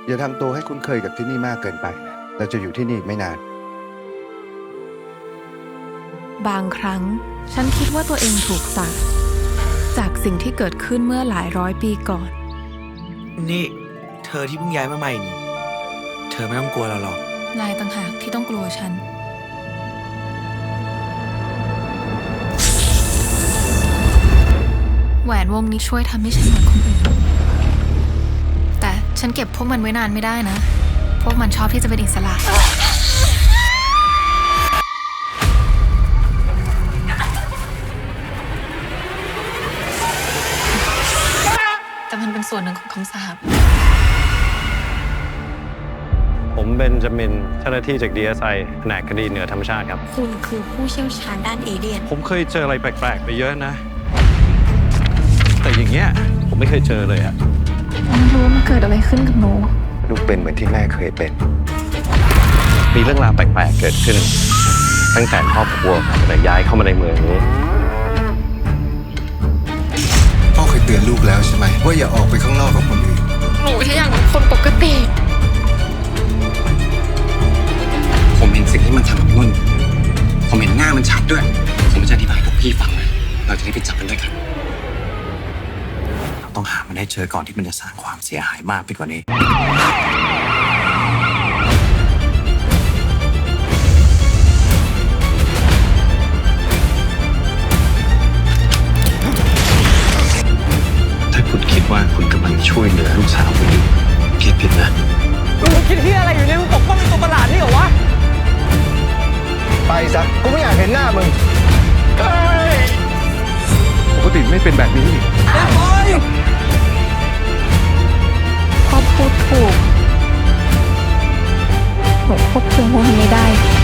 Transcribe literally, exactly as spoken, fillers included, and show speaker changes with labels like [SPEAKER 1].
[SPEAKER 1] อย่าทำตัวให้คุ้นเคยกับที่นี่มากเกินไป เราจะอยู่ที่นี่ไม่นาน
[SPEAKER 2] บางครั้งฉันคิดว่าตัวเองถูกสาปจากสิ่งที่เกิดขึ้นเมื่อหลายร้อยปีก่อน
[SPEAKER 3] นี่เธอที่เพิ่งย้ายมาใหม่นี่ เธอไม่ต้องกลัวเราหรอก
[SPEAKER 2] นายต่างหากที่ต้องกลัวฉัน แหวนวงนี้ช่วยทำให้ฉันเหมือนคนอื่น แต่ฉันเก็บพวกมันไว้นานไม่ได้นะ พวกมันชอบที่จะเป็นอิสระ แต่มันเป็นส่วนหนึ่งของคำสาป
[SPEAKER 4] ผมเบนจามินเจ้าหน้าที่จาก ดี เอส ไอ แผนกคดีเหนือธรรมชาติครับ
[SPEAKER 5] คุณคือผู้เชี่ยวชาญด้านเอเลี่ยน
[SPEAKER 4] ผมเคยเจออะไรแปลกๆไปเยอะนะ แต่อย่างเงี้ยผมไม่เคยเจอเลยอะ
[SPEAKER 2] ไม่รู้ว่ามันเกิดอะไรขึ้นกับหนู
[SPEAKER 1] ลูกเป็นเหมือนที่แม่เคยเป็น
[SPEAKER 4] มีเรื่องราวแปลกๆเกิดขึ้น ตั้งแต่ครอบครัวผมเนี่ยย้ายเข้ามาในเมืองนี้
[SPEAKER 1] พ่อเคยเตือนลูกแล้วใช่ไหมว่าอย่าออกไปข้างนอกกับคนอื่น
[SPEAKER 2] หนูแค่อยากเป็นคนปกติ
[SPEAKER 6] ผมเห็นสิ่งที่มันทำกับนุ่น ผมเห็นหน้ามันชัดด้วย ผมจะอธิบายให้พวกพี่ฟังเลยเราจะได้ไปจับมันด้วยกัน เราต้องหามันให้เจอก่อนที่มันจะสร้างความเสียหายมากไปกว่านี้ ถ้าคุณคิดว่าคุณกำลังช่วยเหลือลูกสาวคุณอยู่คิดผิดนะ
[SPEAKER 7] มึงคิดที่อะไรอยู่เนี่ยมึงปกป้องไอ้ตัวประหลาดนี่เหรอวะ
[SPEAKER 1] ไปซะ กูไม่อยากเห็นหน้ามึง
[SPEAKER 4] ปกติไม่เป็นแบบนี้
[SPEAKER 2] พ่อพูดถูกหนูควบคุมพวกมันไม่ได้